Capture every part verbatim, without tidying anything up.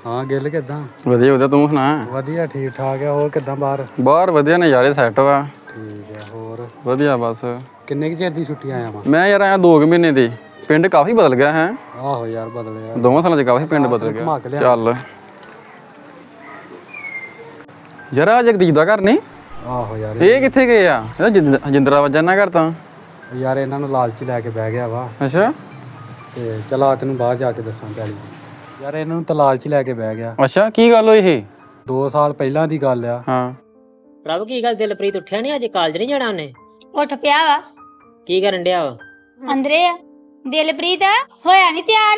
ਹਾਂ ਗਿੱਲ ਕਿੱਦਾਂ? ਵਧੀਆ ਵਧੀਆ, ਤੂੰ ਸੁਣਾ? ਵਧੀਆ ਠੀਕ ਠਾਕ ਆ। ਹੋਰ ਕਿੱਦਾਂ ਬਾਹਰ? ਬਾਹਰ ਵਧੀਆ, ਨਜ਼ਾਰੇ ਸੈੱਟ ਵਾ। ਠੀਕ ਆ। ਹੋਰ ਵਧੀਆ ਬਸ। ਕਿੰਨੇ ਕੁ ਚਿਰ ਦੀ ਛੁੱਟੀ ਆਇਆ ਵਾ? ਮੈਂ ਯਾਰ ਆਇਆ ਦੋ ਕੁ ਮਹੀਨੇ ਦੀ। ਪਿੰਡ ਕਾਫੀ ਬਦਲ ਗਿਆ ਹੈ। ਆਹੋ ਯਾਰ ਬਦਲਿਆ, ਦੋਵਾਂ ਸਾਲਾਂ 'ਚ ਕਾਫੀ ਪਿੰਡ ਬਦਲ ਗਿਆ। ਚੱਲ ਯਾਰ ਆ ਜਗਦੀਪ ਦਾ ਘਰ ਨਹੀਂ? ਆਹੋ ਯਾਰ। ਇਹ ਕਿੱਥੇ ਗਏ ਆ? ਇਹਦਾ ਜਿੰਦ ਜਿੰਦਰਾ ਵੱਜਾ ਨਾ ਘਰ ਤਾਂ। ਯਾਰ ਇਹਨਾਂ ਨੂੰ ਲਾਲਚੀ ਲੈ ਕੇ ਬਹਿ ਗਿਆ ਵਾ। ਅੱਛਾ। ਤੇ ਚਲਾ ਤੈਨੂੰ ਬਾਹਰ ਜਾ ਕੇ ਦੱਸਾਂ ਪੈਲੀ। ਯਾਰ ਇਹਨਾਂ ਨੂੰ ਤਾਂ ਲਾਲਚੀ ਲੈ ਕੇ ਬਹਿ ਗਿਆ। ਅੱਛਾ, ਕੀ ਗੱਲ ਹੋਈ ਇਹ? ਦੋ ਸਾਲ ਪਹਿਲਾਂ ਦੀ ਗੱਲ ਆ। ਹਾਂ ਪ੍ਰਭ ਕੀ ਗੱਲ, ਦਿਲਪ੍ਰੀਤ ਉੱਠਿਆ ਨਹੀਂ? ਅੱਜ ਕਾਲਜ ਨਹੀਂ ਜਾਣਾ ਉਹਨੇ? ਉੱਠ ਪਿਆ ਵਾ, ਕੀ ਕਰਨ ਡਿਆ ਵਾ? ਅੰਦਰੇ ਆ। ਦਿਲਪ੍ਰੀਤ ਹੋਇਆ ਨਹੀਂ ਤਿਆਰ?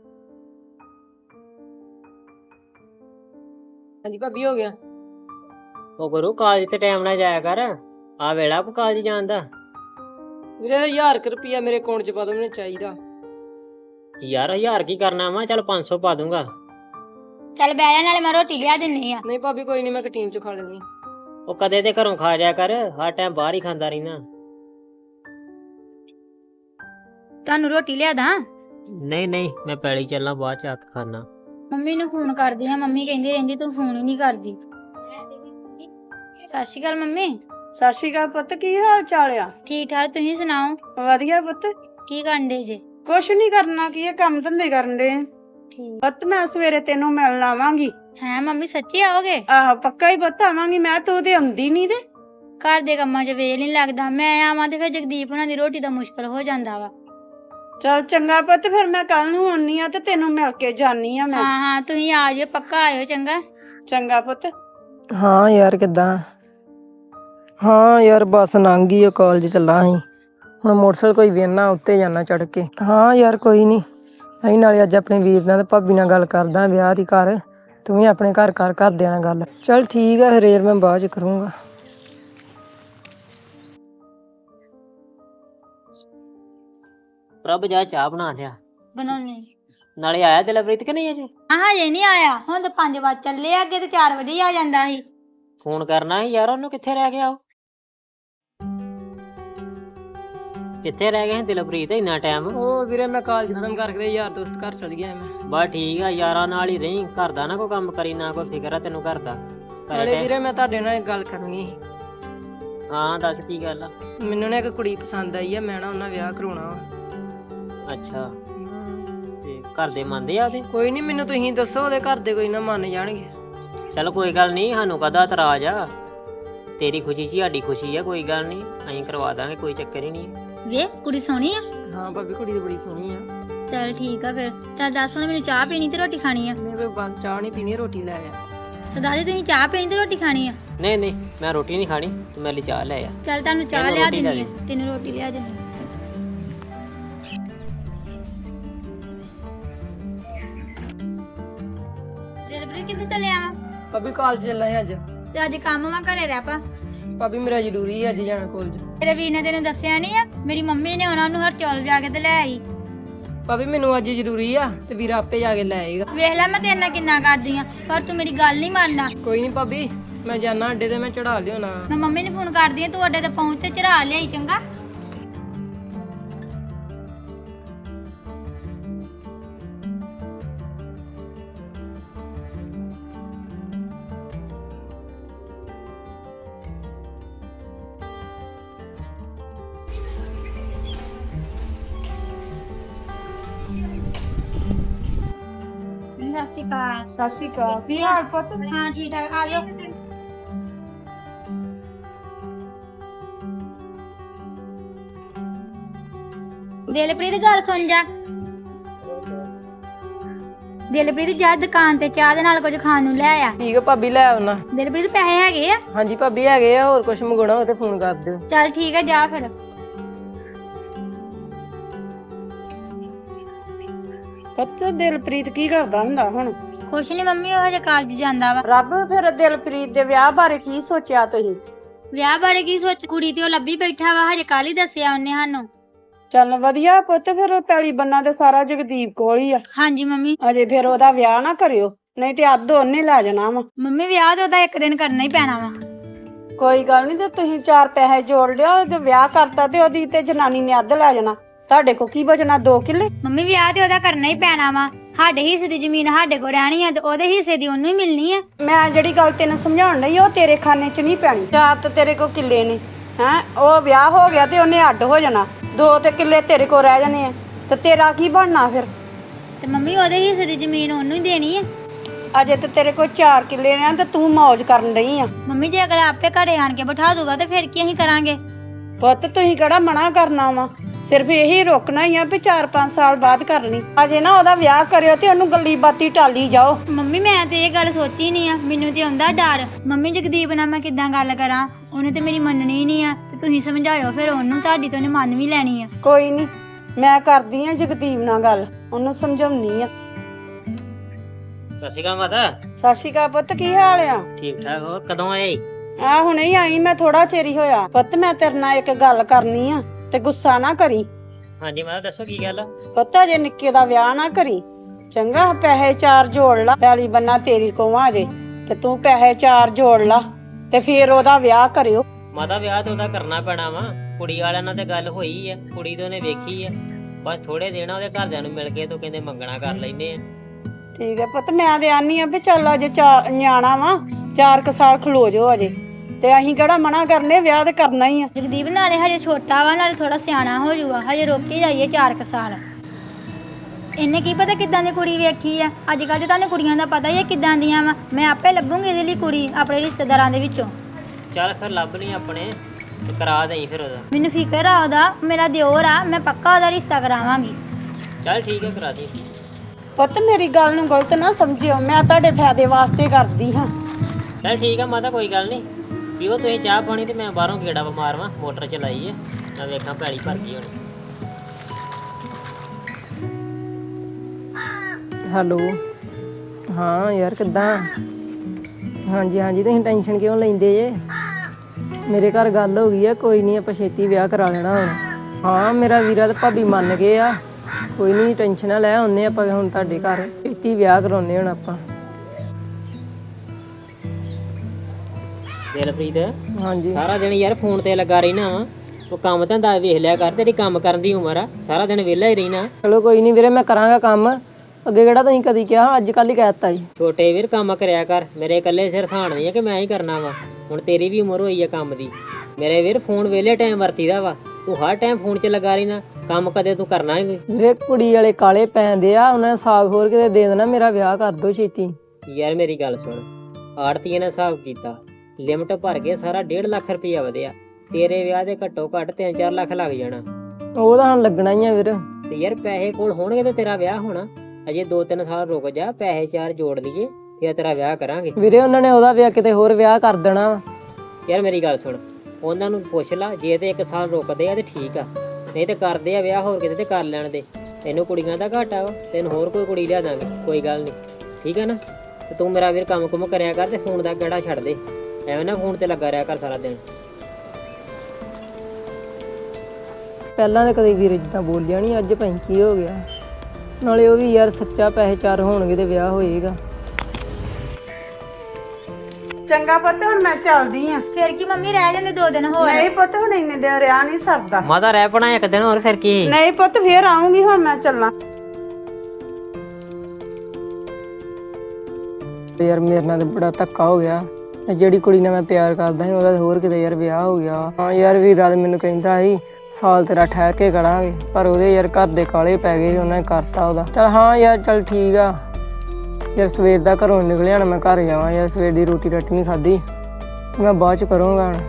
ਹਾਂਜੀ ਭਾਬੀ ਹੋ ਗਿਆ। ਉਹ ਕਰੂ ਕਾਲਜ ਤੇ ਟਾਈਮ ਨਾਲ ਜਾਇਆ ਕਰ। ਆ ਵੇਲਾ ਕੋ ਕਾਲਜ ਜਾਣ ਦਾ। ਵੀਰੇ ਹਜ਼ਾਰ ਕੁ ਰੁਪਈਆ ਮੇਰੇ ਅਕਾਊਂਟ 'ਚ ਪਾ ਦੋ, ਮੈਨੂੰ ਚਾਹੀਦਾ। ਯਾਰ ਹਜ਼ਾਰ ਕੀ ਕਰਨਾ ਵਾ? ਚੱਲ ਪੰਜ ਸੌ ਪਾ ਦੂੰਗਾ। ਚੱਲ ਬਹਿ ਜਾ, ਨਾਲੇ ਮੈਂ ਰੋਟੀ ਲਿਆ ਦਿੰਨੀ ਆ। ਨਹੀਂ ਭਾਬੀ ਕੋਈ ਨਹੀਂ, ਮੈਂ ਕੰਟੀਨ 'ਚ ਖਾ ਲੈਣੀ। ਉਹ ਕਦੇ ਤੇ ਘਰੋਂ ਖਾ ਜਾਇਆ ਕਰ, ਹਰ ਟਾਈਮ ਬਾਹਰ ਹੀ ਖਾਂਦਾ ਰਹਿਣਾ। ਤੁਹਾਨੂੰ ਰੋਟੀ ਲਿਆ ਦਾਂ? ਨਹੀਂ ਨਹੀਂ, ਮੈਂ ਪੈਲੀ ਚੱਲਾਂ, ਬਾਅਦ ਚ ਆ ਕੇ ਖਾਣਾ। ਮੰਮੀ ਨੂੰ ਫੋਨ ਕਰਦੀ ਆ, ਮੰਮੀ ਕਹਿੰਦੀ ਰਹਿੰਦੀ ਤੂੰ ਫੋਨ ਹੀ ਨਹੀਂ ਕਰਦੀ। ਸਤਿ ਸ਼੍ਰੀ ਅਕਾਲ ਮੰਮੀ। ਸਤਿ ਸ਼੍ਰੀ ਅਕਾਲ ਪੁੱਤ, ਕੀ ਹਾਲ ਚਾਲ ਆ? ਠੀਕ ਠਾਕ, ਤੁਸੀਂ ਸੁਣਾਓ? ਵਧੀਆ ਪੁੱਤ। ਕੀ ਕਰਨ ਡੇ ਜੇ? ਕੁਛ ਨਹੀਂ ਕਰਨਾ, ਕੀ ਇਹ ਕੰਮ ਧੰਦੇ ਕਰਨ ਦੇ। ਠੀਕ ਪੁੱਤ ਮੈਂ ਸਵੇਰੇ ਤੈਨੂੰ ਮਿਲਣ ਆਵਾਂਗੀ। ਹੈ ਮੰਮੀ, ਸੱਚੀ ਆਓਗੇ? ਆਹੋ ਪੱਕਾ ਹੀ ਪੁੱਤ ਆਵਾਂਗੀ ਮੈਂ, ਤੂੰ ਤੇ ਆਉਂਦੀ ਨਹੀਂ ਤੇ। ਘਰ ਦੇ ਕੰਮਾਂ 'ਚ ਵੇਲ ਨਹੀਂ ਲੱਗਦਾ, ਮੈਂ ਆਵਾਂ ਤੇ ਫਿਰ ਜਗਦੀਪ ਉਹਨਾਂ ਦੀ ਰੋਟੀ ਦਾ ਮੁਸ਼ਕਲ ਹੋ ਜਾਂਦਾ ਵਾ। ਚਲ ਚੰਗਾ ਪੁੱਤ, ਫਿਰ ਮੈਂ ਕੱਲ ਨੂੰ ਆਉਣੀ ਆ ਤੇ ਤੈਨੂੰ ਮਿਲ ਕੇ ਜਾਨੀ ਆ ਮੈਂ। ਹਾਂ ਹਾਂ, ਤੁਸੀਂ ਆ ਜਿਓ, ਪੱਕਾ ਆਇਓ। ਚੰਗਾ ਚੰਗਾ ਪੁੱਤ। ਹਾਂ ਯਾਰ ਕਿੱਦਾਂ? ਹਾਂ ਯਾਰ ਬੱਸ ਲੰਘ ਗਈ, ਉਹ ਕਾਲਜ ਚੱਲਾ ਸੀ। ਹੁਣ ਮੋਟਰਸਾਈਕਲ ਕੋਈ ਵੇਖਣਾ, ਉੱਤੇ ਜਾਣਾ ਚੜ ਕੇ। ਹਾਂ ਯਾਰ ਕੋਈ ਨਹੀਂ, ਅਸੀਂ ਨਾਲੇ ਅੱਜ ਆਪਣੇ ਵੀਰ ਨਾਲ ਤੇ ਭਾਬੀ ਨਾਲ ਗੱਲ ਕਰਦਾ ਵਿਆਹ ਦੀ। ਘਰ ਤੂੰ ਵੀ ਆਪਣੇ ਘਰ ਘਰ ਕਰ ਦੇਣਾ ਗੱਲ। ਚੱਲ ਠੀਕ ਆ, ਫਿਰ ਯਾਰ ਮੈਂ ਬਾਅਦ 'ਚ ਕਰੂੰਗਾ। ਪ੍ਰਭ ਜਾ ਚਾਹ ਬਣਾ ਲਿਆ। ਬਣਾਉਣੀ। ਨਾਲੇ ਆਇਆ ਦਿਲਪ੍ਰੀਤ ਕਿ ਨਹੀਂ ਅਜੇ? ਹਾਂ ਹਜੇ ਨਹੀਂ ਆਇਆ, ਹੁਣ ਤਾਂ ਪੰਜ ਵਜੇ ਚੱਲੇ, ਅੱਗੇ ਤੇ ਚਾਰ ਵਜੇ ਹੀ ਆ ਜਾਂਦਾ ਸੀ। ਫੋਨ ਕਰਨਾ ਸੀ ਯਾਰ, ਉਹਨੂੰ ਕਿੱਥੇ ਰਹਿ ਗਿਆ? ਉਹ ਕਿੱਥੇ ਰਹਿ ਗਿਆ ਦਿਲਪ੍ਰੀਤ ਇੰਨਾ ਟਾਈਮ? ਉਹ ਵੀਰੇ ਮੈਂ ਕਾਲਜ ਖਤਮ ਕਰਕੇ ਯਾਰ ਦੋਸਤ ਘਰ ਚਲ ਗਿਆ ਮੈਂ। ਬਸ ਠੀਕ ਆ, ਯਾਰਾਂ ਨਾਲ ਹੀ ਰਹੀਂ। ਘਰ ਦਾ ਨਾ ਕੋਈ ਕੰਮ ਕਰੀ, ਨਾ ਕੋਈ ਫਿਕਰ ਆ ਤੈਨੂੰ ਘਰ ਦਾ। ਨਾਲੇ ਵੀਰੇ ਮੈਂ ਤੁਹਾਡੇ ਨਾਲ ਇੱਕ ਗੱਲ ਕਰਨੀ ਸੀ। ਹਾਂ ਦੱਸ ਕੀ ਗੱਲ ਆ? ਮੈਨੂੰ ਨਾ ਇੱਕ ਕੁੜੀ ਪਸੰਦ ਆਈ ਆ, ਮੈਂ ਨਾ ਉਹਨਾਂ ਵਿਆਹ ਕਰਾਉਣਾ ਵਾ। ਅੱਛਾ, ਤੇ ਘਰ ਦੇ ਮੰਨਦੇ ਆ ਉਹਦੇ? ਕੋਈ ਨਹੀਂ, ਮੈਨੂੰ ਤੁਸੀਂ ਦੱਸੋ, ਉਹਦੇ ਘਰ ਦੇ ਕੋਈ ਨਾ ਮੰਨ ਜਾਣਗੇ। ਚਲ ਕੋਈ ਗੱਲ ਨਹੀਂ, ਸਾਨੂੰ ਕਦਾ ਇਤਰਾਜ਼ ਆ? ਤੇਰੀ ਖੁਸ਼ੀ 'ਚ ਸਾਡੀ ਖੁਸ਼ੀ ਆ, ਕੋਈ ਗੱਲ ਨਹੀਂ, ਅਸੀਂ ਕਰਵਾ ਦਾਂਗੇ, ਕੋਈ ਚੱਕਰ ਹੀ ਨਹੀਂ। ਵੇ ਕੁੜੀ ਸੋਹਣੀ ਆ। ਹਾਂ ਭਾਬੀ ਕੁੜੀ ਤਾਂ ਬੜੀ ਸੋਹਣੀ ਆ। ਚੱਲ ਠੀਕ ਆ, ਫਿਰ ਚੱਲ ਦੱਸ ਹੁਣ, ਮੈਨੂੰ ਚਾਹ ਪੀਣੀ ਤੇ ਰੋਟੀ ਖਾਣੀ ਆ? ਨਹੀਂ ਬਈ ਚਾਹ ਨਹੀਂ ਪੀਣੀ, ਰੋਟੀ ਲੈ ਆ। ਸਦਾ ਜੀ ਤੁਸੀਂ ਚਾਹ ਪੀਣੀ ਤੇ ਰੋਟੀ ਖਾਣੀ ਆ? ਨਹੀਂ ਨਹੀਂ, ਮੈਂ ਰੋਟੀ ਨਹੀਂ ਖਾਣੀ, ਤੂੰ ਮੇਰੇ ਲਈ ਚਾਹ ਲੈ ਆ। ਚੱਲ ਤੁਹਾਨੂੰ ਚਾਹ ਤੈਨੂੰ ਲਿਆ ਰੋਟੀ ਲੈ ਦਿੰਦੀ ਆ, ਤੈਨੂੰ ਰੋਟੀ ਲਿਆ ਦਿੰਦੀ ਆ। ਦਿਲਪ੍ਰੀਤ ਕਿੱਥੇ ਚੱਲਿਆ ਵਾ? ਭਾਬੀ ਕਾਲਜ ਚੱਲੇ ਅੱਜ। ਤੇ ਅੱਜ ਕੰਮ ਵਾ, ਘਰੇ ਰਹਿ ਪਾ। ਭਾਬੀ ਮੇਰਾ ਜ਼ਰੂਰੀ ਹੈ ਅੱਜ ਜਾਣਾ ਕਾਲਜ। ਤੇਰੇ ਵੀਰ ਨੇ ਤੈਨੂੰ ਦੱਸਿਆ ਨਹੀਂ ਆ? ਮੇਰੀ ਮੰਮੀ ਨੇ ਉਹਨਾਂ ਨੂੰ ਹਰਚੌਲ ਜਾ ਕੇ ਤੇ ਲੈ ਆਈ। ਭਾਬੀ ਮੈਨੂੰ ਅੱਜ ਜ਼ਰੂਰੀ ਆ ਤੇ ਵੀਰ ਆਪੇ ਜਾ ਕੇ ਲੈ ਆਏਗਾ। ਵੇਖ ਲੈ ਮੈਂ ਤੇਰੇ ਨਾਲ ਕਿੰਨਾ ਕਰਦੀ ਆ, ਪਰ ਤੂੰ ਮੇਰੀ ਗੱਲ ਨਹੀਂ ਮੰਨਦਾ। ਕੋਈ ਨਹੀਂ ਭਾਬੀ, ਮੈਂ ਜਾਣਾ ਅੱਡੇ ਤੇ, ਮੈਂ ਚੜਾ ਲਿਓਣਾ। ਮੈਂ ਮੰਮੀ ਨੂੰ ਫੋਨ ਕਰਦੀ ਆ, ਤੂੰ ਅੱਡੇ ਤੇ ਪਹੁੰਚ ਤੇ ਚੜਾ ਲਿਆਈ। ਚੰਗਾ ਸਤਿ ਸ਼੍ਰੀ ਅਕਾਲ। ਸਤਿ ਸ਼੍ਰੀ ਅਕਾਲ, ਕੀ ਹਾਲ ਪੁੱਤ? ਹਾਂ ਠੀਕ ਠਾਕ, ਆ ਜਾਓ। ਦਿਲਪ੍ਰੀਤ ਗੱਲ ਸੁਣ ਜਾ। ਦਿਲਪ੍ਰੀਤ ਜਾ ਦੁਕਾਨ ਤੇ ਚਾਹ ਦੇ ਨਾਲ ਕੁਝ ਖਾਣ ਨੂੰ ਲੈ ਆ। ਠੀਕ ਆ ਭਾਬੀ, ਲੈ ਆਉਣਾ। ਦਿਲਪ੍ਰੀਤ ਪੈਸੇ ਹੈਗੇ ਆ? ਹਾਂਜੀ ਭਾਬੀ ਹੈਗੇ ਆ, ਹੋਰ ਕੁਝ ਮੰਗਾਉਣਾ ਹੋਵੇ ਤੇ ਫੋਨ ਕਰ ਦਿਓ। ਚੱਲ ਠੀਕ ਆ, ਜਾ ਫਿਰ। ਪੁੱਤ ਦਿਲਪ੍ਰੀਤ ਕੀ ਕਰਦਾ ਹੁੰਦਾ ਹੁਣ? ਕੁਛ ਨੀ ਮੰਮੀ, ਉਹ ਹਜੇ ਕਾਲਜ ਜਾਂਦਾ ਵਾ। ਰੱਬ, ਫਿਰ ਦਿਲਪ੍ਰੀਤ ਦੇ ਵਿਆਹ ਬਾਰੇ ਕੀ ਸੋਚਿਆ ਤੁਸੀਂ? ਵਿਆਹ ਬਾਰੇ ਕੀ ਸੋਚ, ਕੁੜੀ ਤੇ ਉਹ ਲੱਭੀ ਬੈਠਾ ਵਾ, ਹਜੇ ਕੱਲ ਹੀ ਦੱਸਿਆ ਉਹਨੇ ਸਾਨੂੰ। ਚੱਲ ਵਧੀਆ ਪੁੱਤ, ਫਿਰ ਪੈਲੀ ਬੰਨਾ ਤੇ ਸਾਰਾ ਜਗਦੀਪ ਕੋਲ ਹੀ ਆ। ਹਾਂਜੀ ਮੰਮੀ। ਅਜੇ ਫਿਰ ਉਹਦਾ ਵਿਆਹ ਨਾ ਕਰਿਓ, ਨਹੀਂ ਤੇ ਅੱਧ ਉਹਨੇ ਲੈ ਜਾਣਾ ਵਾ। ਮੰਮੀ ਵਿਆਹ ਤੇ ਉਹਦਾ ਇੱਕ ਦਿਨ ਕਰਨਾ ਹੀ ਪੈਣਾ ਵਾ। ਕੋਈ ਗੱਲ ਨਹੀਂ, ਤੇ ਤੁਸੀਂ ਚਾਰ ਪੈਸੇ ਜੋੜ ਲਿਓ, ਤੇ ਵਿਆਹ ਕਰਤਾ ਤੇ ਉਹਦੀ ਤੇ ਜਨਾਨੀ ਨੇ ਅੱਧ ਲੈ ਜਾਣਾ। ਤੁਹਾਡੇ ਕੋ ਕੀ ਬਚਣਾ? ਦੋ ਕਿੱਲੇ। ਮੰਮੀ ਵਿਆਹ ਤੇ ਉਹਦਾ ਕਰਨਾ ਹੀ ਪੈਣਾ ਵਾ, ਸਾਡੇ ਹਿੱਸੇ ਦੀ ਜ਼ਮੀਨ ਸਾਡੇ ਕੋਲ ਰਹਿਣੀ ਆ ਤੇ ਉਹਦੇ ਹਿੱਸੇ ਦੀ ਉਹਨੂੰ ਹੀ ਮਿਲਣੀ ਆ। ਮੈਂ ਜਿਹੜੀ ਗੱਲ ਤੈਨੂੰ ਸਮਝਾਉਣ ਡਈ ਉਹ ਤੇਰੇ ਖਾਨੇ 'ਚ ਨਹੀਂ ਪੈਣੀ। ਚਾਰ ਤੇ ਤੇਰੇ ਕੋਲ ਕਿੱਲੇ ਨੇ ਹੈਂ, ਉਹ ਵਿਆਹ ਹੋ ਗਿਆ ਤੇ ਉਹਨੇ ਅੱਡ ਹੋ ਜਾਣਾ, ਦੋ ਤੇ ਕਿੱਲੇ ਤੇਰੇ ਕੋਲ ਰਹਿ ਜਾਣੇ ਆ ਤੇ ਤੇਰਾ ਕੀ ਬਣਨਾ ਫਿਰ? ਤੇ ਮੰਮੀ ਉਹਦੇ ਹਿੱਸੇ ਦੀ ਜ਼ਮੀਨ ਉਹਨੂੰ ਹੀ ਦੇਣੀ ਆ। ਅਜੇ ਤੇ ਤੇਰੇ ਕੋਲ ਚਾਰ ਕਿੱਲੇ ਨੇ ਤੇ ਤੂੰ ਮौज ਕਰਨ ਡਈ ਆ। ਮੰਮੀ ਜੇ ਅਗਲਾ ਆਪੇ ਘਰੇ ਆਣ ਕੇ ਬਿਠਾ ਦੂਗਾ ਤੇ ਫਿਰ ਕੀ ਅਸੀਂ ਕਰਾਂਗੇ? ਪੁੱਤ ਤੁਸੀਂ ਕਿਹੜਾ ਮਨਾ ਕਰਨਾ ਵਾ, ਸਿਰਫ ਇਹੀ ਰੋਕਣਾ ਹੀ ਆ ਵੀ ਚਾਰ ਪੰਜ ਸਾਲ ਬਾਅਦ ਕਰਨੀ। ਅਜੇ ਨਾ ਉਹਦਾ ਵਿਆਹ ਕਰਿਓ ਤੇ ਉਹਨੂੰ ਗੱਲੀ ਬਾਤੀ ਟਾਲੀ ਜਾਓ। ਮੰਮੀ ਮੈਂ ਤੇ ਇਹ ਗੱਲ ਸੋਚੀ ਨਹੀਂ ਆ, ਮੈਨੂੰ ਤੇ ਆਉਂਦਾ ਡਰ। ਮੰਮੀ ਜਗਦੀਪ ਨਾਲ ਮੈਂ ਕਿੱਦਾਂ ਗੱਲ ਕਰਾਂ, ਉਹਨੇ ਤੇ ਮੇਰੀ ਮੰਨਣੀ ਨਹੀਂ ਆ। ਤੇ ਤੁਸੀਂ ਸਮਝਾਇਓ ਫਿਰ ਉਹਨੂੰ, ਤੁਹਾਡੀ ਤੋਂ ਉਹਨੇ ਮੰਨ ਵੀ ਲੈਣੀ ਆ। ਕੋਈ ਨਹੀਂ, ਮੈਂ ਕਰਦੀ ਆ ਜਗਦੀਪ ਨਾਲ ਗੱਲ, ਉਹਨੂੰ ਸਮਝਾਉਣੀ ਆ। ਸਤਿ ਸ਼੍ਰੀ ਅਕਾਲ ਮਾਤਾ। ਸਤਿ ਸ਼੍ਰੀ ਅਕਾਲ ਪੁੱਤ, ਕੀ ਹਾਲ ਆ? ਠੀਕ ਠਾਕ। ਹੋਰ ਕਦੋਂ ਆਏ? ਆ ਹੁਣੇ ਹੀ ਆਈ, ਮੈਂ ਥੋੜਾ ਚਿਰ ਹੀ ਹੋਇਆ। ਪੁੱਤ ਮੈਂ ਤੇਰੇ ਨਾਲ ਇੱਕ ਗੱਲ ਕਰਨੀ ਆ ਤੇ ਗੁੱਸਾ ਨਾ ਕਰੀ। ਹਾਂਜੀ ਮਾਤਾ ਦੱਸੋ ਕੀ ਗੱਲ ਆ? ਪੁੱਤ ਜੇ ਨਿੱਕੇ ਦਾ ਵਿਆਹ ਨਾ ਕਰੀ, ਚੰਗਾ? ਪੈਸੇ ਚਾਰ ਜੋੜ ਲਾ, ਪੈਲੀ ਬੰਨਾ ਤੇਰੀ ਕੋਲ ਆ ਜੇ ਤੇ ਤੂੰ ਪੈਸੇ ਚਾਰ ਜੋੜ ਲਾ ਤੇ ਫਿਰ ਉਹਦਾ ਵਿਆਹ ਕਰਿਓ। ਮਾਤਾ ਵਿਆਹ ਤੇ ਉਹਦਾ ਕਰਨਾ ਪੈਣਾ ਵਾ, ਕੁੜੀ ਵਾਲਿਆਂ ਨਾਲ ਤੇ ਗੱਲ ਹੋਈ ਆ, ਕੁੜੀ ਤੇ ਉਹਨੇ ਵੇਖੀ ਆ। ਬਸ ਥੋੜੇ ਦਿਨ ਉਹਦੇ ਘਰਦਿਆਂ ਨੂੰ ਮਿਲ ਕੇ ਤੋਂ ਕਹਿੰਦੇ ਮੰਗਣਾ ਕਰ ਲੈਨੇ ਆ। ਠੀਕ ਹੈ ਪੁੱਤ, ਮੈਂ ਤੇ ਆਨੀ ਆ ਵੀ ਚੱਲ ਅਜੇ ਚਾਰ ਨਿਆਣਾ ਵਾ, ਚਾਰ ਕੁ ਸਾਲ ਖਲੋ ਜਾਓ ਅਜੇ, ਤੇ ਅਸੀਂ ਕਿਹੜਾ ਮਨਾ ਕਰਨੇ, ਵਿਆਹ ਤੇ ਕਰਨਾ ਹੀ ਆ। ਜਗਦੀਪ ਨਾਲੇ ਹਜੇ ਛੋਟਾ ਵਾ, ਨਾਲੇ ਥੋੜਾ ਸਿਆਣਾ ਹੋ ਜਾਊਗਾ, ਹਜੇ ਰੋਕੀ ਜਾਈਏ ਚਾਰ ਕੁ ਸਾਲ। ਇਹਨੇ ਕੀ ਪਤਾ ਕਿੱਦਾਂ ਦੀ ਕੁੜੀ ਵੇਖੀ ਆ। ਅੱਜ ਕੱਲ੍ਹ ਤੇ ਤੁਹਾਨੂੰ ਕੁੜੀਆਂ ਦਾ ਪਤਾ ਹੀ ਹੈ ਕਿੱਦਾਂ ਦੀਆਂ ਵਾ। ਮੈਂ ਆਪੇ ਲੱਭੂੰਗੀ ਇਹਦੇ ਲਈ ਕੁੜੀ ਆਪਣੇ ਰਿਸ਼ਤੇਦਾਰਾਂ ਦੇ ਵਿੱਚੋਂ। ਚੱਲ ਫਿਰ ਲੱਭ ਲਈ ਆਪਣੇ ਤੇ ਕਰਾ ਦੇਈ ਫਿਰ ਉਹਦਾ। ਮੈਨੂੰ ਫਿਕਰ ਆ ਉਹਦਾ, ਮੇਰਾ ਦਿਓਰ ਆ, ਮੈਂ ਪੱਕਾ ਉਹਦਾ ਰਿਸ਼ਤਾ ਕਰਾਵਾਂਗੀ। ਚੱਲ ਠੀਕ ਹੈ ਕਰਾ ਦੇ। ਪੁੱਤ ਮੇਰੀ ਗੱਲ ਨੂੰ ਗਲਤ ਨਾ ਸਮਝਿਓ, ਮੈਂ ਤੁਹਾਡੇ ਫਾਇਦੇ ਵਾਸਤੇ ਕਰਦੀ ਹਾਂ। ਚੱਲ ਠੀਕ ਆ ਮਾਤਾ, ਕੋਈ ਗੱਲ ਨਹੀਂ। ਪੀਓ ਤੁਸੀਂ ਚਾਹ ਪਾਣੀ ਤੇ ਮੈਂ ਬਾਹਰੋਂ ਗੇੜਾ ਬਿਮਾਰ ਵਾਂ, ਮੋਟਰ ਚਲਾਈ ਹੈ, ਮੈਂ ਵੇਖਾਂ ਪੈਲੀ ਭਰ ਗਈ ਹੋਣੀ। ਹੈਲੋ, ਹਾਂ ਯਾਰ ਕਿੱਦਾਂ? ਹਾਂਜੀ ਹਾਂਜੀ, ਤੁਸੀਂ ਟੈਨਸ਼ਨ ਕਿਉਂ ਲੈਂਦੇ ਜੇ? ਮੇਰੇ ਘਰ ਗੱਲ ਹੋ ਗਈ ਆ, ਕੋਈ ਨਹੀਂ ਆਪਾਂ ਛੇਤੀ ਵਿਆਹ ਕਰਾ ਲੈਣਾ ਹੁਣ। ਹਾਂ ਮੇਰਾ ਵੀਰਾ ਤੇ ਭਾਬੀ ਮੰਨ ਗਏ ਆ, ਕੋਈ ਨਹੀਂ ਟੈਨਸ਼ਨ ਨਾ ਲੈ, ਆਉਂਦੇ ਆਪਾਂ ਹੁਣ ਤੁਹਾਡੇ ਘਰ, ਛੇਤੀ ਵਿਆਹ ਕਰਾਉਂਦੇ ਹੁਣ ਆਪਾਂ। ਦਿਲਪ੍ਰੀਤ ਹਾਂਜੀ ਸਾਰਾ ਦਿਨ ਯਾਰ ਫੋਨ ਤੇ ਲੱਗਾ ਰਹਿਣਾ ਵਾ, ਉਹ ਕੰਮ ਧੰਦਾ ਵੇਖ ਲਿਆ ਕਰ, ਤੇਰੀ ਕੰਮ ਕਰਨ ਦੀ ਉਮਰ ਆ, ਸਾਰਾ ਦਿਨ ਵਿਹਲਾ ਹੀ ਰਹਿਣਾ। ਚਲੋ ਕੋਈ ਨਹੀਂ ਵੀਰੇ, ਮੈਂ ਕਰਾਂਗਾ ਕੰਮ। ਅੱਗੇ ਕਿਹੜਾ ਤੁਸੀਂ ਕਦੀ ਕਿਹਾ, ਅੱਜ ਕੱਲ੍ਹ ਹੀ ਕਹਿ ਦਿੱਤਾ ਜੀ। ਛੋਟੇ ਵੀਰ ਕੰਮ ਕਰਿਆ ਕਰ, ਮੇਰੇ ਇਕੱਲੇ ਸਿਰ ਸਹਾਣ ਨਹੀਂ ਆ ਕਿ ਮੈਂ ਹੀ ਕਰਨਾ ਵਾ। ਹੁਣ ਤੇਰੀ ਵੀ ਉਮਰ ਹੋਈ ਆ ਕੰਮ ਦੀ। ਮੇਰੇ ਵੀਰ ਫੋਨ ਵਿਹਲੇ ਟਾਈਮ ਵਰਤੀਦਾ ਵਾ, ਤੂੰ ਹਰ ਟਾਈਮ ਫੋਨ 'ਚ ਲੱਗਾ ਰਹਿਣਾ, ਕੰਮ ਕਦੇ ਤੂੰ ਕਰਨਾ ਹੀ ਕੋਈ। ਵੀਰੇ ਕੁੜੀ ਵਾਲੇ ਕਾਲੇ ਪੈਂਦੇ ਆ, ਉਹਨਾਂ ਨੇ ਸਾਗ ਹੋਰ ਕਿਤੇ ਦੇ ਦੇਣਾ, ਮੇਰਾ ਵਿਆਹ ਕਰ ਦਿਓ ਛੇਤੀ। ਯਾਰ ਮੇਰੀ ਗੱਲ ਸੁਣ, ਆੜਤੀਏ ਨੇ ਹਿਸਾਬ ਕੀਤਾ, ਲਿਮਟ ਭਰ ਕੇ ਸਾਰਾ ਡੇਢ ਲੱਖ ਰੁਪਇਆ ਵਧਿਆ, ਤੇਰੇ ਵਿਆਹ ਦੇ ਘੱਟੋ ਘੱਟ ਤਿੰਨ ਚਾਰ ਲੱਖ ਲੱਗ ਜਾਣਾ। ਉਹ ਤਾਂ ਹੁਣ ਲੱਗਣਾ ਹੀ ਆ ਵੀਰ। ਤੇ ਯਾਰ ਪੈਸੇ ਕੋਲ ਹੋਣਗੇ ਤੇ ਤੇਰਾ ਵਿਆਹ ਹੋਣਾ। ਅਜੇ ਦੋ ਤਿੰਨ ਸਾਲ ਰੁਕ ਜਾ, ਪੈਸੇ ਚਾਰ ਜੋੜ ਲਈਏ ਫਿਰ ਤੇਰਾ ਵਿਆਹ ਕਰਾਂਗੇ। ਵੀਰੇ ਉਹਨਾਂ ਨੇ ਉਹਦਾ ਵਿਆਹ ਕਿਤੇ ਹੋਰ ਵਿਆਹ ਕਰ ਦੇਣਾ ਵਾ। ਯਾਰ ਮੇਰੀ ਗੱਲ ਸੁਣ, ਉਹਨਾਂ ਨੂੰ ਪੁੱਛ ਲਾ, ਜੇ ਤੇ ਇੱਕ ਸਾਲ ਰੁਕਦੇ ਆ ਤੇ ਠੀਕ ਆ, ਨਹੀਂ ਤੇ ਕਰਦੇ ਆ ਵਿਆਹ ਹੋਰ ਕਿਤੇ ਤੇ ਕਰ ਲੈਣ ਦੇ। ਤੈਨੂੰ ਕੁੜੀਆਂ ਦਾ ਘਾਟਾ ਵਾ, ਤੈਨੂੰ ਹੋਰ ਕੋਈ ਕੁੜੀ ਲਿਆ ਦਾਂਗੇ, ਕੋਈ ਗੱਲ ਨਹੀਂ, ਠੀਕ ਆ ਨਾ? ਤੇ ਤੂੰ ਮੇਰਾ ਵੀਰ ਕੰਮ ਕੁਮ ਕਰਿਆ ਕਰ ਤੇ ਫੋਨ ਦਾ ਗੜਾ ਛੱਡ ਦੇ, ਐਵੇਂ ਨਾ ਫੋਨ ਤੇ ਲੱਗਾ ਰਿਹਾ ਕਰ ਸਾਰਾ ਦਿਨ। ਪਹਿਲਾਂ ਤਾਂ ਕਦੇ ਵੀਰ ਜਿੱਦਾਂ ਬੋਲਿਆ ਨਹੀਂ, ਅੱਜ ਭਾਈ ਕੀ ਹੋ ਗਿਆ? ਨਾਲੇ ਉਹ ਵੀ ਯਾਰ ਸੱਚਾ ਪੈਸੇ ਚਾਰ ਹੋਣਗੇ ਤੇ ਵਿਆਹ ਹੋਏਗਾ। ਚੰਗਾ ਪੁੱਤ, ਹੁਣ ਮੈਂ ਚੱਲਦੀ ਆ। ਫਿਰ ਕੀ ਮੰਮੀ, ਰਹਿ ਜਾਂਦੇ ਦੋ ਦਿਨ ਹੋਰ। ਨਹੀਂ ਪੁੱਤ, ਹੁਣ ਇੰਨੇ ਦਿਨ ਰਿਆ ਨਹੀਂ ਸਰਦਾ। ਮਾਤਾ ਰਹਿ ਪਣਾ ਇੱਕ ਦਿਨ ਹੋਰ, ਫਿਰ ਕੀ? ਨਹੀਂ ਪੁੱਤ, ਫੇਰ ਆਉਂਗੀ, ਹੁਣ ਮੈਂ ਚੱਲਾਂ। ਯਾਰ ਮੇਰੇ ਨਾਲ ਤਾਂ ਬੜਾ ਧੱਕਾ ਹੋ ਗਿਆ, ਜਿਹੜੀ ਕੁੜੀ ਨਾਲ ਮੈਂ ਪਿਆਰ ਕਰਦਾ ਸੀ ਉਹਦਾ ਹੋਰ ਕਿਤੇ ਯਾਰ ਵਿਆਹ ਹੋ ਗਿਆ। ਹਾਂ ਯਾਰ ਵੀਰਾ ਮੈਨੂੰ ਕਹਿੰਦਾ ਸੀ ਸਾਲ ਤੇਰਾ ਠਹਿਰ ਕੇ ਕਰਾਂਗੇ, ਪਰ ਉਹਦੇ ਯਾਰ ਘਰ ਦੇ ਕਾਲੇ ਪੈ ਗਏ, ਉਹਨਾਂ ਨੇ ਕਰਤਾ ਉਹਦਾ। ਚੱਲ ਹਾਂ ਯਾਰ, ਚੱਲ ਠੀਕ ਆ ਯਾਰ, ਸਵੇਰ ਦਾ ਘਰੋਂ ਨਿਕਲਿਆ ਨਾ, ਮੈਂ ਘਰ ਜਾਵਾਂ ਯਾਰ, ਸਵੇਰ ਦੀ ਰੋਟੀ ਰੱਟੀ ਨਹੀਂ ਖਾਧੀ, ਮੈਂ ਬਾਅਦ ਚ ਕਰੂੰਗਾ ਹੁਣ।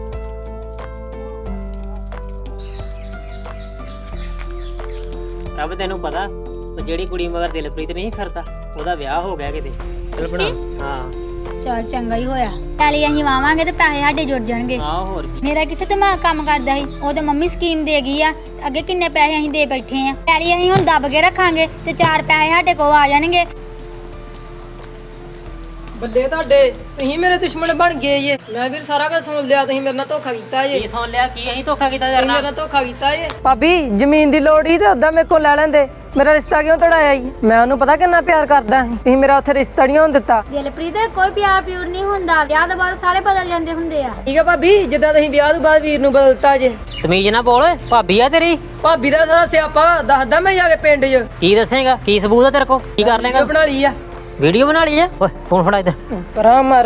ਰੱਬ ਤੈਨੂੰ ਪਤਾ, ਉਹ ਜਿਹੜੀ ਕੁੜੀ ਮਗਰ ਦਿਲਪ੍ਰੀਤ ਨਹੀਂ ਫਿਰਦਾ, ਉਹਦਾ ਵਿਆਹ ਹੋ ਗਿਆ ਕਿਤੇ। ਚੱਲ ਬਣਾ। ਹਾਂ ਚਲ ਚੰਗਾ ਹੀ ਹੋਇਆ, ਪਹਿਲੇ ਅਸੀਂ ਵਾਵਾਂਗੇ ਤੇ ਪੈਸੇ ਸਾਡੇ ਜੁੜ ਜਾਣਗੇ। ਆਹ ਹੋਰ ਕੀ। ਮੇਰਾ ਕਿੱਥੇ ਦਿਮਾਗ ਕੰਮ ਕਰਦਾ ਸੀ, ਉਹ ਤੇ ਮੰਮੀ ਸਕੀਮ ਦੇ ਗਈ ਆ, ਅੱਗੇ ਕਿੰਨੇ ਪੈਸੇ ਅਸੀਂ ਦੇ ਬੈਠੇ ਆ। ਪਹਿਲੇ ਅਸੀਂ ਹੁਣ ਦੱਬ ਕੇ ਰੱਖਾਂਗੇ ਤੇ ਚਾਰ ਪੈਸੇ ਸਾਡੇ ਕੋਲ ਆ ਜਾਣਗੇ। ਬੱਲੇ ਤੁਹਾਡੇ ਤੁਸੀਂ ਮੇਰੇ ਦੁਸ਼ਮਣ ਬਣ ਗਏ ਜੇ ਮੈਂ ਵੀਰ ਸਾਰਾ ਕੁਝ ਸੁਣ ਲਿਆ ਤੁਸੀਂ ਮੇਰੇ ਨਾਲ ਧੋਖਾ ਕੀਤਾ ਜੇ ਕੀ ਸੁਣ ਲਿਆ ਕੀ ਅਸੀਂ ਧੋਖਾ ਕੀਤਾ ਤੇਰੇ ਮੇਰੇ ਨਾਲ ਨਾਲ ਧੋਖਾ ਕੀਤਾ ਜੇ ਭਾਬੀ ਜ਼ਮੀਨ ਦੀ ਲੋੜ ਹੀ ਤੇ ਉਦਾਂ ਮੇਰੇ ਕੋਲ ਲੈ ਲੈਂਦੇ ਮੇਰਾ ਰਿਸ਼ਤਾ ਕਿਉਂ ਤੜਾਇਆ ਜੀ ਮੈਂ ਉਹਨੂੰ ਪਤਾ ਕਿੰਨਾ ਪਿਆਰ ਕਰਦਾ ਸੀ ਤੁਸੀਂ ਮੇਰਾ ਉੱਥੇ ਰਿਸ਼ਤਾ ਨਹੀਂ ਹੋਣ ਦਿੱਤਾ ਦਿਲਪ੍ਰੀਤ ਕੋਈ ਪਿਆਰ ਪਿਉਰ ਨਹੀਂ ਹੁੰਦਾ ਵਿਆਹ ਤੋਂ ਬਾਅਦ ਸਾਰੇ ਬਦਲ ਜਾਂਦੇ ਹੁੰਦੇ ਆ ਠੀਕ ਆ ਭਾਬੀ ਜਿੱਦਾਂ ਤੁਸੀਂ ਵਿਆਹ ਤੋਂ ਬਾਅਦ ਵੀਰ ਨੂੰ ਬਦਲਤਾ ਜੇ ਤਮੀਜ਼ ਨਾ ਬੋਲ ਭਾਬੀ ਆ ਤੇਰੀ ਭਾਬੀ ਦਾ ਸਾਰਾ ਸਿਆਪਾ ਦੱਸਦਾ ਮੈਂ ਜਾ ਕੇ ਪਿੰਡ 'ਚ ਕੀ ਦੱਸੇਗਾ ਕੀ ਸਬੂਤ ਆ ਤੇਰੇ ਕੋਲ ਕੀ ਕਰ ਲੇਗਾ ਬਣਾ ਲਈ ਆ ਵੀਡੀਓ ਬਣਾ ਲਈ ਆ ਓਏ ਫੋਨ ਫੜਾ ਇੱਧਰ ਪਰਾਂ ਮਰ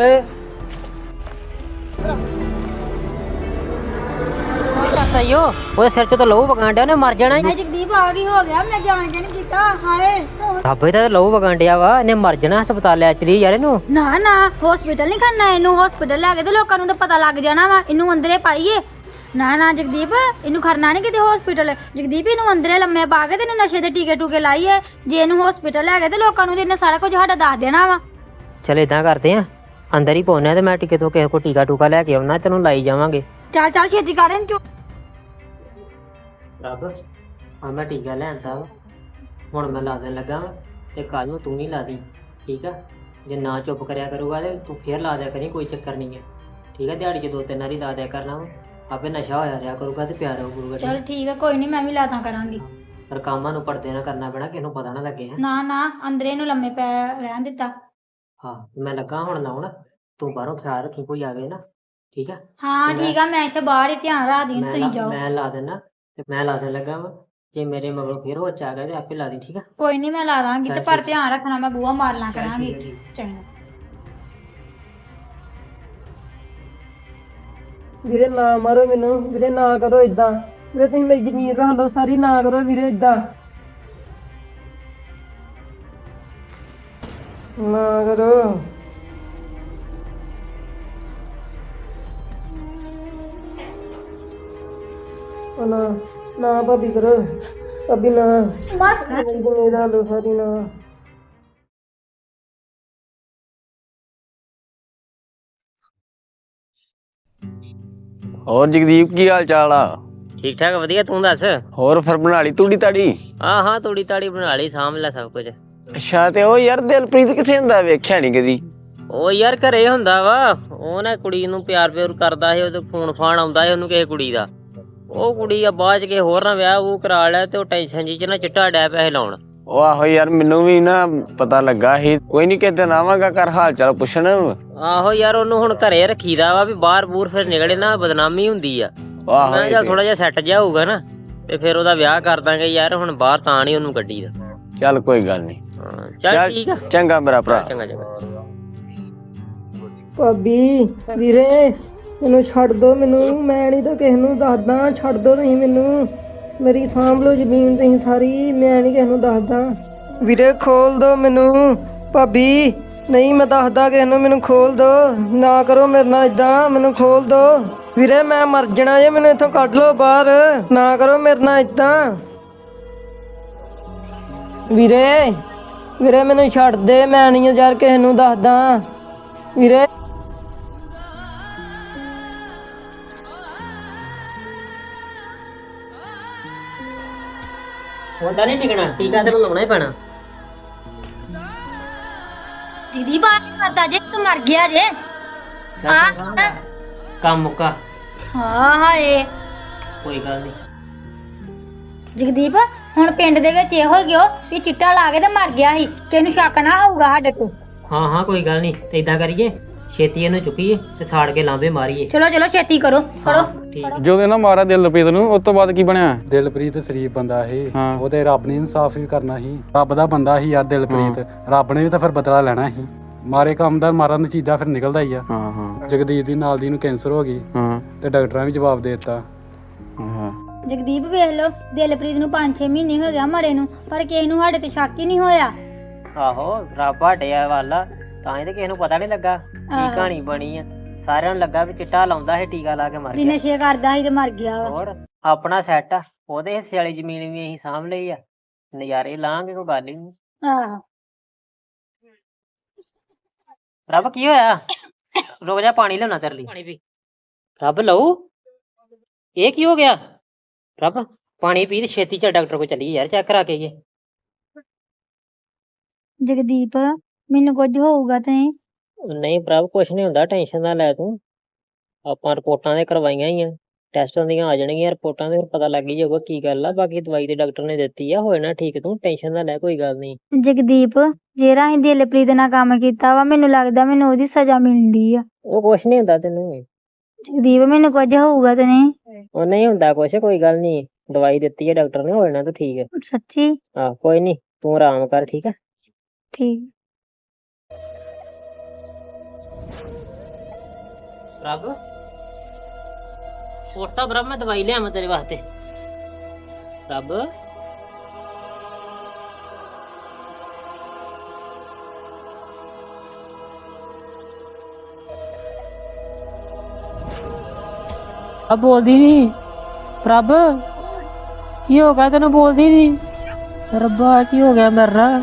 ਸਹੀਓ ਉਹਦੇ ਸਿਰ 'ਚ ਤਾਂ ਲਹੂ ਵਗਣ ਡਿਆ ਉਹਨੇ ਮਰ ਜਾਣਾ ਹਾਏ ਜਗਦੀਪ ਆ ਗਈ ਹੋ ਗਿਆ ਮੈਂ ਜਾਣ ਕੇ ਨਹੀਂ ਕੀਤਾ ਹਾਏ ਰੱਬੇ ਤਾਂ ਲਹੂ ਵਗਣ ਡਿਆ ਵਾ ਇਹਨੇ ਮਰ ਜਾਣਾ ਹਸਪਤਾਲ ਲੈ ਚਲੀ ਯਾਰ ਇਹਨੂੰ ਨਾ ਨਾ ਹਸਪੀਟਲ ਨਹੀਂ ਖੜਨਾ ਇਹਨੂੰ ਹਸਪੀਟਲ ਲੈ ਕੇ ਤੇ ਲੋਕਾਂ ਨੂੰ ਤਾਂ ਪਤਾ ਲੱਗ ਜਾਣਾ ਵਾ ਇਹਨੂੰ ਅੰਦਰੇ ਪਾਈਏ ਨਾ ਨਾ ਜਗਦੀਪ ਇਹਨੂੰ ਖੜਨਾ ਨਹੀਂ ਕਿਤੇ ਹਸਪੀਟਲ ਜਗਦੀਪ ਇਹਨੂੰ ਅੰਦਰੇ ਲੰਮੇ ਪਾ ਕੇ ਤੇ ਇਹਨੂੰ ਨਸ਼ੇ ਦੇ ਟੀਕੇ ਟੂਕੇ ਲਾਈਏ ਜੇ ਇਹਨੂੰ ਹਸਪੀਟਲ ਲੈ ਕੇ ਤੇ ਲੋਕਾਂ ਨੂੰ ਤੇ ਇਹਨੇ ਸਾਰਾ ਕੁਝ ਸਾਡਾ ਦੱਸ ਦੇਣਾ ਵਾ ਚਲ ਇਦਾਂ ਕਰਦੇ ਆ ਅੰਦਰ ਹੀ ਪਾਉਨੇ ਆ ਤੇ ਮੈਂ ਟੀਕੇ ਤੋਂ ਕਿਸੇ ਕੋ ਟੀਕਾ ਟੂਕਾ ਲੈ ਕੇ ਆਉਣਾ ਤੈਨੂੰ ਲਾਈ ਜਾਵਾਂਗੇ ਚੱਲ ਚੱਲ ਛੇਤੀ ਕਰ ਇਹਨੂੰ ਚੁੱਪ ਰੱਬ ਆ ਮੈਂ ਟੀਕਾ ਲੈਂਦਾ ਵਾ ਹੁਣ ਮੈਂ ਲਾ ਦੇਣ ਲੱਗਾ ਵਾ ਤੇ ਕੱਲ ਨੂੰ ਤੂੰ ਹੀ ਲਾ ਦੀ ਠੀਕ ਆ ਜੇ ਨਾ ਚੁੱਪ ਕਰਿਆ ਕਰੂਗਾ ਤੇ ਤੂੰ ਫੇਰ ਲਾ ਦਿਆ ਕਰੀ ਕੋਈ ਚੱਕਰ ਨਹੀਂ ਹੈ ਠੀਕ ਆ ਦਿਹਾੜੀ 'ਚ ਦੋ ਤਿੰਨ ਵਾਰੀ ਲਾ ਦਿਆ ਕਰਨਾ ਵਾ ਆਪੇ ਨਸ਼ਾ ਹੋਇਆ ਰਿਹਾ ਕਰੂਗਾ ਤੇ ਪਿਆਰ ਹੋ ਕਰੂਗਾ ਚੱਲ ਠੀਕ ਆ ਕੋਈ ਨਹੀਂ ਮੈਂ ਵੀ ਲਾਤਾਂ ਕਰਾਂਗੀ ਪਰ ਕੰਮਾਂ ਨੂੰ ਪਰਦੇ ਨਾ ਕਰਨਾ ਪੈਣਾ ਕਿਸੇ ਨੂੰ ਪਤਾ ਨਾ ਲੱਗੇ ਹੈ ਨਾ ਨਾ ਅੰਦਰੇ ਇਹਨੂੰ ਲੰਮੇ ਪੈ ਰਹਿਣ ਦਿੱਤਾ ਹਾਂ ਮੈਂ ਲੱਗਾ ਹੁਣ ਲਾਉਣ ਤੂੰ ਬਾਹਰੋਂ ਖਿਆਲ ਰੱਖੀ ਕੋਈ ਆਵੇ ਨਾ ਠੀਕ ਆ ਹਾਂ ਠੀਕ ਆ ਮੈਂ ਇੱਥੇ ਬਾਹਰ ਹੀ ਧਿਆਨ ਰੱਖਦੀ ਹਾਂ ਮੈਂ ਤੁਸੀਂ ਲਾ- ਜਾਓ ਮੈਂ ਲਾ ਦੇਣਾ ਤੇ ਮੈਂ ਲਾ ਦੇਣ ਲੱਗਾ ਵਾ ਜੇ ਮੇਰੇ ਮਗਰੋਂ ਫੇਰ ਹੋ ਆ ਗਿਆ ਤੇ ਆਪੇ ਲਾ ਦੀ ਠੀਕ ਆ ਕੋਈ ਨਹੀਂ ਮੈਂ ਲਾ ਦਾਂਗੀ ਤੇ ਚੱਲ ਪਰ ਠੀਕ। ਧਿਆਨ ਰੱਖਣਾ ਮੈਂ ਬੂਹਾ ਮਾਰ ਲਾਂ ਚੱਲ ਕਰਾਂਗੀ ਠੀਕ ਹੈ, ਠੀਕ। ਚੰਗਾ ਵੀਰੇ ਨਾ ਮਾਰੋ ਮੈਨੂੰ ਵੀਰੇ ਨਾ ਕਰੋ ਇਦਾਂ ਵੀਰੇ ਤੁਸੀਂ ਮੇਰੀ ਜ਼ਮੀਨ ਰੱਖ ਲਓ ਸਾਰੀ ਨਾ ਕਰੋ ਵੀਰੇ ਇਦਾਂ ਨਾ ਕਰੋ ਉਹ ਨਾ ਨਾ ਭਾਬੀ ਕਰੋ ਭਾਬੀ ਨਾ ਮੇਰੀ ਜ਼ਮੀਨ ਰੱਖ ਲਓ ਸਾਰੀ ਨਾ ਹੋਰ ਜਗਦੀਪ ਕੀ ਹਾਲ ਚਾਲ ਆ ਠੀਕ ਠਾਕ ਵਧੀਆ ਤੂੰ ਦੱਸ ਹੋਰ ਫਿਰ ਬਣਾ ਲਈ ਤੂੜੀ ਤਾੜੀ ਹਾਂ ਹਾਂ ਤੂੜੀ ਤਾੜੀ ਬਣਾ ਲਈ ਸਾਂਭ ਲੈ ਸਭ ਕੁਝ ਅੱਛਾ ਤੇ ਉਹ ਯਾਰ ਦਿਲਪ੍ਰੀਤ ਕਿੱਥੇ ਹੁੰਦਾ ਵੇਖਿਆ ਨਹੀਂ ਕਦੀ ਉਹ ਯਾਰ ਘਰੇ ਹੁੰਦਾ ਵਾ ਉਹ ਨਾ ਕੁੜੀ ਨੂੰ ਪਿਆਰ ਪਿਆਰ ਕਰਦਾ ਸੀ ਉਹਦੇ ਫੋਨ ਫਾਨ ਆਉਂਦਾ ਸੀ ਉਹਨੂੰ ਕਿਸੇ ਕੁੜੀ ਦਾ ਉਹ ਕੁੜੀ ਆ ਬਾਅਦ ਚ ਕੇ ਹੋਰ ਨਾ ਵਿਆਹ ਉਹ ਕਰਾ ਲਿਆ ਤੇ ਉਹ ਟੈਨਸ਼ਨ ਜੀ ਚ ਨਾ ਚਿੱਟਾ ਡੈ ਪੈਸੇ ਲਾਉਣ ਉਹ ਆਹੋ ਯਾਰ ਮੈਨੂੰ ਵੀ ਨਾ ਪਤਾ ਲੱਗਾ ਸੀ ਕੋਈ ਨਹੀਂ ਕਿਤੇ ਆਵਾਂਗਾ ਕਰ ਹਾਲ ਚਾਲ ਪੁੱਛਣ ਆਹੋ ਯਾਰ ਉਹਨੂੰ ਹੁਣ ਘਰੇ ਰੱਖੀਦਾ ਵਾ ਵੀ ਬਾਹਰ ਬੂਰ ਫਿਰ ਨਿਕਲੇ ਨਾ ਬਦਨਾਮੀ ਹੁੰਦੀ ਆ ਆਹੋ ਮੈਂ ਕਿਹਾ ਥੋੜਾ ਜਿਹਾ ਸੈੱਟ ਜਿਹਾ ਹੋਊਗਾ ਨਾ ਤੇ ਫਿਰ ਉਹਦਾ ਵਿਆਹ ਕਰ ਦਾਂਗੇ ਯਾਰ ਹੁਣ ਬਾਹਰ ਤਾਂ ਨਹੀਂ ਉਹਨੂੰ ਗੱਡੀ ਦਾ ਚੱਲ ਕੋਈ ਗੱਲ ਨਹੀਂ ਹਾਂ ਚੱਲ ਠੀਕ ਆ ਚੰਗਾ ਮੇਰਾ ਭਰਾ ਚੰਗਾ ਚੰਗਾ ਭਾਬੀ ਵੀਰੇ ਮੈਨੂੰ ਛੱਡ ਦੋ ਮੈਨੂੰ ਮੈਂ ਨਹੀਂ ਤਾਂ ਕਿਸੇ ਨੂੰ ਦੱਸਦਾ ਛੱਡ ਦੋ ਤੁਸੀਂ ਮੈਨੂੰ ਮੇਰੀ ਸਾਂਭ ਲਓ ਜ਼ਮੀਨ ਤੁਸੀਂ ਸਾਰੀ ਮੈਂ ਨਹੀਂ ਕਿਸੇ ਨੂੰ ਦੱਸਦਾ ਵੀਰੇ ਖੋਲ ਦੋ ਮੈਨੂੰ ਭਾਬੀ ਨਹੀਂ ਮੈਂ ਦੱਸਦਾ ਕਿਸੇ ਨੂੰ ਮੈਨੂੰ ਖੋਲ ਦੋ ਨਾ ਕਰੋ ਮੇਰੇ ਨਾਲ ਇਦਾਂ ਮੈਨੂੰ ਖੋਲ ਦੋ ਵੀਰੇ ਮੈਂ ਮਰ ਜਾਣਾ ਜੇ ਮੈਨੂੰ ਇੱਥੋਂ ਕੱਢ ਲਓ ਬਾਹਰ ਨਾ ਕਰੋ ਮੇਰੇ ਨਾਲ ਇਦਾਂ ਵੀਰੇ ਵੀਰੇ ਮੈਨੂੰ ਛੱਡ ਦੇ ਮੈਂ ਨਹੀਂ ਯਾਰ ਕਿਸੇ ਨੂੰ ਦੱਸਦਾ ਵੀਰੇ ਹੁੰਦਾ ਨਹੀਂ ਟਿਕਣਾ ਟੀਕਾ ਤੈਨੂੰ ਲਾਉਣਾ ਹੀ ਪੈਣਾ ਦੀਦੀ ਬਾਤ ਕਰਦਾ ਜੇ ਤੂੰ ਮਰ ਗਿਆ ਜੇ ਹਾਂ ਕੰਮ ਮੁੱਕਾ ਹਾਂ ਹਾਏ ਕੋਈ ਗੱਲ ਨਹੀਂ ਜਗਦੀਪ ਹੁਣ ਪਿੰਡ ਦੇ ਵਿੱਚ ਇਹੋ ਗਿਓ ਵੀ ਚਿੱਟਾ ਲਾ ਕੇ ਤੇ ਮਰ ਗਿਆ ਸੀ ਤੈਨੂੰ ਸ਼ੱਕ ਨਾ ਹੋਊਗਾ ਸਾਡੇ ਤੋਂ ਹਾਂ ਹਾਂ ਕੋਈ ਗੱਲ ਨਹੀਂ ਤੇ ਇਦਾਂ ਕਰੀਏ ਛੇਤੀ ਇਹਨੂੰ ਚੁੱਕੀਏ ਤੇ ਸਾੜ ਕੇ ਲਾਂਬੇ ਮਾਰੀਏ ਚਲੋ ਚਲੋ ਛੇਤੀ ਕਰੋ ਫੜੋ ਠੀਕ ਜਦੋਂ ਇਹਨਾਂ ਮਾਰਿਆ ਦਿਲਪ੍ਰੀਤ ਨੂੰ ਉਸ ਤੋਂ ਬਾਅਦ ਕੀ ਬਣਿਆ ਦਿਲਪ੍ਰੀਤ ਸ਼ਰੀਫ ਬੰਦਾ ਸੀ ਹਾਂ। ਉਹ ਤੇ ਰੱਬ ਨੇ ਇਨਸਾਫ ਵੀ ਕਰਨਾ ਸੀ ਰੱਬ ਦਾ ਬੰਦਾ ਸੀ ਯਾਰ ਦਿਲਪ੍ਰੀਤ ਰੱਬ ਨੇ ਵੀ ਤਾਂ ਫਿਰ ਬਦਲਾ ਲੈਣਾ ਸੀ ਮਾਰੇ ਕੰਮ ਦਾ ਮਾਰਨ ਦੀ ਚੀਜ਼ਾਂ ਫਿਰ ਨਿਕਲਦਾ ਹੀ ਆ ਹਾਂ ਹਾਂ ਜਗਦੀਪ ਦੀ ਨਾਲ ਦੀ ਨੂੰ ਕੈਂਸਰ ਹੋ ਗਈ ਹਾਂ ਤੇ ਡਾਕਟਰਾਂ ਵੀ ਜਵਾਬ ਦੇ ਦਿੱਤਾ ਹਾਂ ਜਗਦੀਪ ਵੇਖ ਲਓ ਦਿਲਪ੍ਰੀਤ ਨੂੰ ਪੰਜ ਛੇ ਮਹੀਨੇ ਹੋ ਗਿਆ ਮਰੇ ਨੂੰ ਪਰ ਕਿਸੇ ਨੂੰ ਸਾਡੇ ਤੇ ਸ਼ੱਕ ਹੀ ਨਹੀਂ ਹੋਇਆ ਆਹੋ ਰੱਬ ਹਟਿਆ ਵਾਲਾ ਤਾਂ ਇਹ ਤੇ ਕਿਸੇ ਨੂੰ ਪਤਾ ਨਹੀਂ ਲੱਗਾ ਕੀ ਕਹਾਣੀ ਬਣੀ ਆ ਸਾਰਿਆਂ ਨੂੰ ਲੱਗਾ ਵੀ ਚਿੱਟਾ ਲਾਉਂਦਾ ਸੀ ਟੀਕਾ ਲਾ ਕੇ ਮਰ ਵੀ ਗਿਆ ਨਸ਼ੇ ਕਰਦਾ ਸੀ ਤੇ ਮਰ ਗਿਆ ਵਾ ਹੋਰ ਆਪਣਾ ਸੈੱਟ ਆ ਉਹਦੇ ਹਿੱਸੇ ਵਾਲੀ ਜ਼ਮੀਨ ਵੀ ਅਸੀਂ ਸਾਂਭ ਲਈ ਆ ਨਜ਼ਾਰੇ ਲਾਂਗੇ ਕੋਈ ਗੱਲ ਹੀ ਨਹੀਂ ਆਹੋ ਰੱਬ ਕੀ ਹੋਇਆ ਰੁਕ ਜਾ ਪਾਣੀ ਲਿਆਉਣਾ ਤੇਰੇ ਲਈ ਪਾਣੀ ਪੀ ਰੱਬ ਲਊ ਇਹ ਕੀ ਹੋ ਗਿਆ ਰੱਬ ਪਾਣੀ ਪੀ ਤੇ ਛੇਤੀ ਚ ਡਾਕਟਰ ਕੋਲ ਚੱਲੀਏ ਯਾਰ ਚੈੱਕ ਕਰਾ ਕੇ ਆਈਏ ਜਗਦੀਪ ਮੈਨੂੰ ਕੁਝ ਹੋਊਗਾ ਤੇ ਨਹੀਂ ਪ੍ਰਭ ਕੁਛ ਨਹੀਂ ਹੁੰਦਾ, ਟੈਨਸ਼ਨ ਨਾ ਲੈ ਤੂੰ। ਆਪਾਂ ਰਿਪੋਰਟਾਂ ਤੇ ਕਰਵਾਈਆਂ ਹੀ ਆ, ਟੈਸਟਾਂ ਦੀਆਂ ਆ ਜਾਣਗੀਆਂ ਰਿਪੋਰਟਾਂ ਤੇ, ਫਿਰ ਪਤਾ ਲੱਗ ਹੀ ਜਾਊਗਾ ਕੀ ਗੱਲ ਆ। ਬਾਕੀ ਦਵਾਈ ਤੇ ਡਾਕਟਰ ਨੇ ਦਿੱਤੀ ਆ, ਹੋ ਜਾਣਾ ਠੀਕ, ਤੂੰ ਟੈਨਸ਼ਨ ਨਾ ਲੈ, ਕੋਈ ਗੱਲ ਨਹੀਂ। ਜਗਦੀਪ ਜਿਹੜਾ ਅਸੀਂ ਦਿਲਪ੍ਰੀਤ ਨਾਲ ਕੰਮ ਕੀਤਾ ਵਾ, ਮੈਨੂੰ ਲੱਗਦਾ ਮੈਨੂੰ ਉਹਦੀ ਸਜ਼ਾ ਮਿਲਦੀ ਆ। ਉਹ ਕੁਛ ਨਹੀਂ ਹੁੰਦਾ ਤੈਨੂੰ, ਜਗਦੀਪ ਮੈਨੂੰ ਕੁਝ ਹੋਊਗਾ ਤੇ ਨਹੀਂ? ਉਹ ਨਹੀਂ ਹੁੰਦਾ ਕੁਛ, ਕੋਈ ਗੱਲ ਨਹੀਂ। ਦਵਾਈ ਦਿੱਤੀ ਹੈ ਡਾਕਟਰ ਨੇ, ਹੋ ਜਾਣਾ ਤੂੰ ਠੀਕ। ਸੱਚੀ? ਆਹ ਕੋਈ ਨਹੀਂ, ਤੂੰ ਆਰਾਮ ਕਰ, ਠੀਕ ਆ। ਠੀਕ। ਪ੍ਰਭ ਛੋਟਾ ਪ੍ਰਭ, ਮੈਂ ਦਵਾਈ ਲਿਆਵਾਂ ਤੇਰੇ ਵਾਸਤੇ। ਪ੍ਰਭ ਆ ਬੋਲਦੀ ਨਹੀਂ ਪ੍ਰਭ, ਕੀ ਹੋ ਗਿਆ ਤੈਨੂੰ? ਬੋਲਦੀ ਨਹੀਂ। ਰੱਬਾ ਕੀ ਹੋ ਗਿਆ ਮੇਰੇ ਨਾਲ?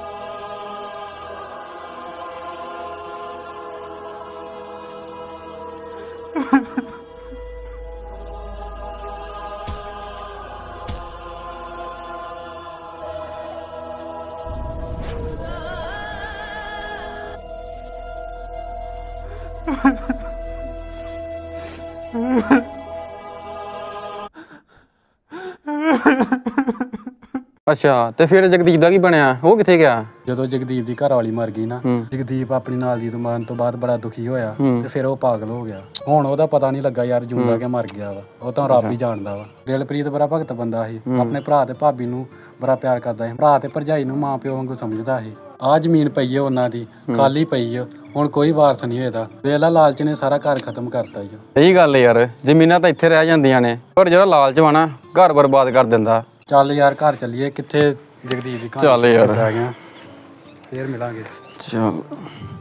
ਅੱਛਾ, ਤੇ ਫਿਰ ਜਗਦੀਪ ਦਾ ਕੀ ਬਣਿਆ? ਉਹ ਕਿੱਥੇ ਗਿਆ? ਜਦੋਂ ਜਗਦੀਪ ਦੀ ਘਰ ਵਾਲੀ ਮਰ ਗਈ ਨਾ, ਹੂੰ। ਜਗਦੀਪ ਆਪਣੀ ਨਾਲ ਦੀ ਤੋਂ ਮਰਨ ਤੋਂ ਬਾਅਦ ਬੜਾ ਦੁਖੀ ਹੋਇਆ ਹੂੰ। ਤੇ ਫਿਰ ਉਹ ਪਾਗਲ ਹੋ ਗਿਆ। ਹੁਣ ਉਹਦਾ ਪਤਾ ਨਹੀਂ ਲੱਗਾ ਯਾਰ ਜਿਉਂਦਾ ਕਿ ਮਰ ਗਿਆ ਵਾ, ਉਹ ਤਾਂ ਰੱਬ ਹੀ ਜਾਣਦਾ ਵਾ। ਦਿਲਪ੍ਰੀਤ ਬੜਾ ਭਗਤ ਬੰਦਾ ਸੀ, ਆਪਣੇ ਭਰਾ ਤੇ ਭਾਬੀ ਨੂੰ ਬੜਾ ਪਿਆਰ ਕਰਦਾ ਸੀ, ਭਰਾ ਤੇ ਭਰਜਾਈ ਨੂੰ ਮਾਂ ਪਿਓ ਵਾਂਗੂ ਸਮਝਦਾ ਸੀ। ਆਹ ਜ਼ਮੀਨ ਪਈ ਹੈ ਉਹਨਾਂ ਦੀ, ਖਾਲੀ ਪਈ ਹੈ, ਹੁਣ ਕੋਈ ਵਾਰਸ ਨਹੀਂ ਹੋਏਦਾ। ਵੇਲਾ ਲਾਲਚ ਨੇ ਸਾਰਾ ਘਰ ਖਤਮ ਕਰਤਾ ਜੀ। ਸਹੀ ਗੱਲ ਯਾਰ, ਜ਼ਮੀਨਾਂ ਤਾਂ ਇੱਥੇ ਰਹਿ ਜਾਂਦੀਆਂ ਨੇ, ਪਰ ਜਿਹੜਾ ਲਾਲਚ ਵਾ ਨਾ, ਘਰ ਬਰਬਾਦ ਕਰ ਦਿੰਦਾ। ਚੱਲ ਯਾਰ ਘਰ ਚੱਲੀਏ, ਕਿੱਥੇ ਜਗਦੀਪ ਦੀ ਕਹਾਣੀ ਚੱਲ ਯਾਰ। ਰਹਿ ਗਿਆ, ਫੇਰ ਮਿਲਾਂਗੇ। ਚਲ।